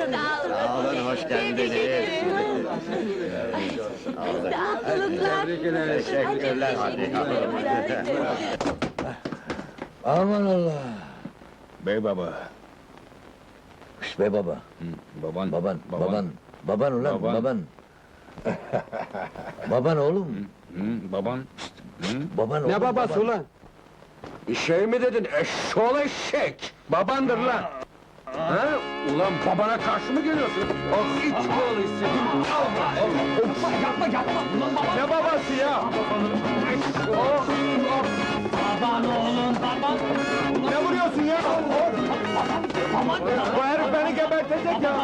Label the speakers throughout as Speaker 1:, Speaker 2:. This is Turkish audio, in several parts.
Speaker 1: Sağ olun, hoş geldiniz.
Speaker 2: Tebrikler.
Speaker 1: Teşekkürler, hadi.
Speaker 2: Aman Allah!
Speaker 3: Bey baba.
Speaker 2: Şş bey baba,
Speaker 3: Baban.
Speaker 2: baban ulan,
Speaker 3: Baban.
Speaker 2: baban! Baban oğlum,
Speaker 3: Baban.
Speaker 2: baban oğlum,
Speaker 4: Ne babası
Speaker 2: baban.
Speaker 4: ulan? Şey mi dedin, eşşoğlu eşek! Babandır lan! Ha? Ulan babana karşı mı geliyorsun? Oh, iç oğlu istedim! Yapma! Ne babası ya? Oh! Baban oğlum, baban! Ne vuruyorsun ya? Bu herif beni gebertecek ya!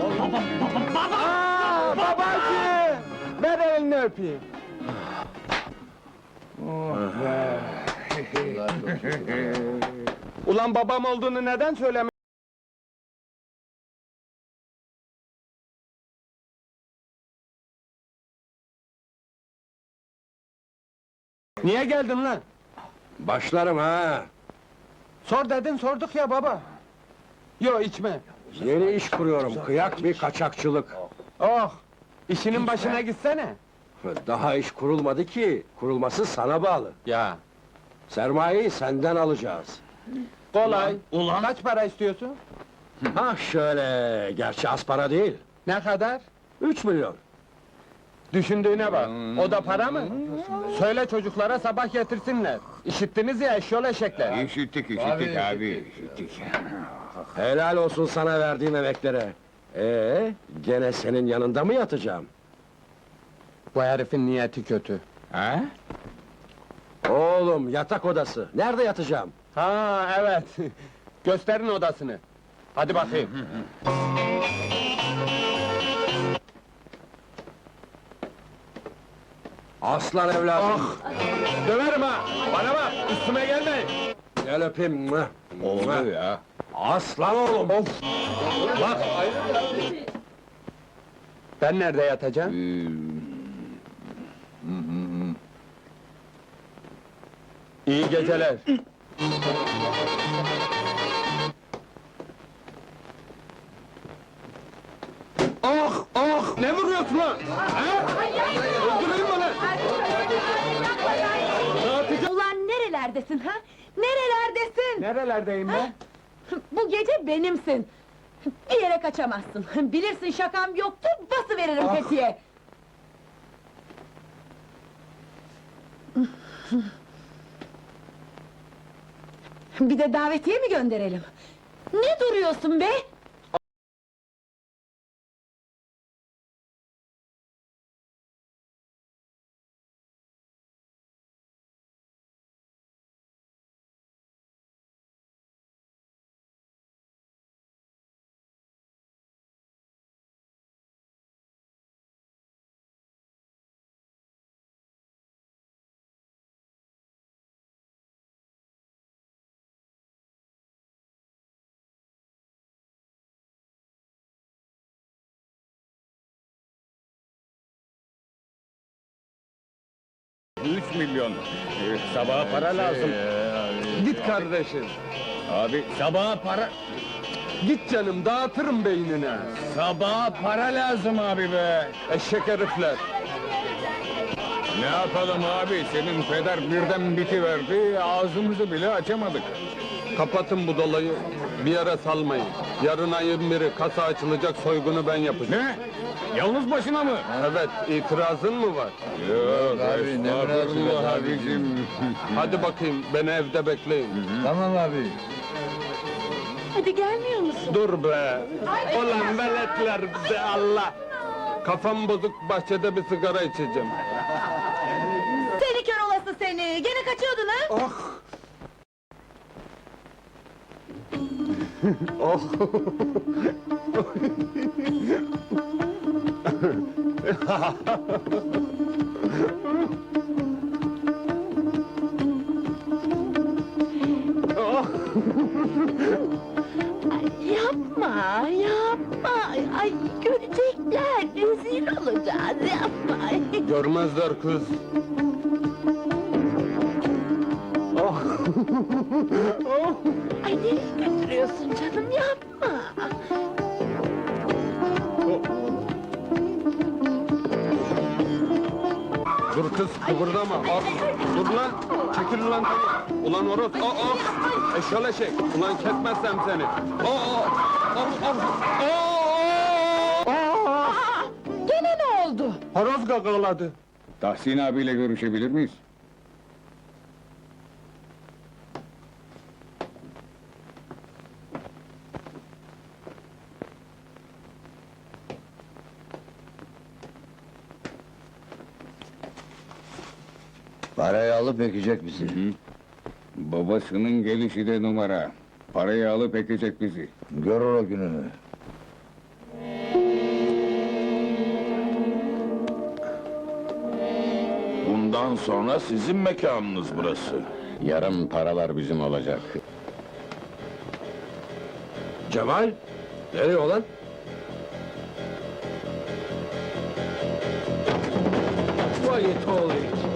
Speaker 4: Aa, babacı! Ver elini öpeyim! Ulan babam olduğunu neden söylemiyorsun? Niye geldin lan?
Speaker 5: Başlarım ha!
Speaker 4: Sor dedin, sorduk ya baba. Yo, içme.
Speaker 5: Yeni iş kuruyorum, kıyak bir kaçakçılık.
Speaker 4: Oh! İşinin başına gitsene.
Speaker 5: Daha iş kurulmadı ki, kurulması sana bağlı.
Speaker 4: Ya,
Speaker 5: Sermayeyi senden alacağız.
Speaker 4: kolay. Kaç para istiyorsun?
Speaker 5: Ha şöyle, gerçi az para değil.
Speaker 4: Ne kadar?
Speaker 5: 3 milyon.
Speaker 4: Düşündüğüne bak. O da para mı? Söyle çocuklara sabah getirsinler. İşittiniz ya eşyol eşekler.
Speaker 3: İşittik abi, işittik.
Speaker 5: Helal olsun sana verdiğim emeklere. Gene senin yanında mı yatacağım?
Speaker 4: Bu herifin niyeti kötü.
Speaker 3: Ha?
Speaker 5: Oğlum, yatak odası. Nerede yatacağım?
Speaker 4: Ha evet. Gösterin odasını. Hadi bakayım.
Speaker 5: Aslan evladım.
Speaker 4: Döverim ha! Bana bak, üstüme gelmeyin!
Speaker 5: Gel öpeyim. Mwah,
Speaker 3: Oldu
Speaker 5: mwah.
Speaker 3: ya.
Speaker 5: Aslan oğlum.
Speaker 4: Bak! Ben nerede yatacağım? İyi geceler. Ne vuruyorsun lan? Ha? Öldüreyim mi lan?
Speaker 6: Ulan nerelerdesin ha? Nerelerdesin?
Speaker 4: Nerelerdeyim ben?
Speaker 6: Bu gece benimsin. Bir yere kaçamazsın. Bilirsin şakam yoktur, basıveririm tetiğe. Bir de davetiye mi gönderelim? Ne duruyorsun be?
Speaker 3: Üç milyon. Sabaha para lazım.
Speaker 4: Git kardeşim.
Speaker 3: Abi, sabaha para...
Speaker 4: Git canım, dağıtırım beynine.
Speaker 3: Sabaha para lazım abi be!
Speaker 4: Eşek herifler.
Speaker 3: Ne yapalım abi, senin peder birden bitiverdi, ağzımızı bile açamadık.
Speaker 4: Kapatın bu dolayı, bir yere salmayın. Yarın ayın biri kasa açılacak, soygunu ben yapacağım.
Speaker 3: Ne? Yalnız başına mı?
Speaker 4: Evet, itirazın mı var?
Speaker 3: Yok
Speaker 2: abi, ne
Speaker 3: estağfurullah
Speaker 2: münasebet
Speaker 3: abicim.
Speaker 4: Hadi bakayım, beni evde bekleyin.
Speaker 2: Tamam abi.
Speaker 6: Hadi gelmiyor musun?
Speaker 4: Dur be! Ulan veletler be Allah! Kafam bozuk, bahçede bir sigara içeceğim.
Speaker 6: Seni kör olası seni! Gene kaçıyordun ha?
Speaker 4: Oh! Oh!
Speaker 6: Yapma, yapma! Ay, görecekler, rezil olacağız, yapma!
Speaker 4: Görmezler kız! Oh! Oh!
Speaker 6: Ay, nereye götürüyorsun canım, yapma!
Speaker 3: Dur kız, kıvırdama. Dur lan, çekil lan tabii. Ulan horoz, eşşoğlu eşek. Ulan kesmezsem seni.
Speaker 6: Gene ne oldu?
Speaker 3: Horoz gagaladı. Tahsin abiyle görüşebilir miyiz?
Speaker 2: Parayı alıp ekecek bizi.
Speaker 3: Babasının gelişi de numara. Parayı alıp ekecek bizi.
Speaker 2: Görür o gününü.
Speaker 7: Bundan sonra sizin mekanınız burası.
Speaker 3: Yarın paralar bizim olacak.
Speaker 5: Cemal, nereye olan? Vay it oğlu it.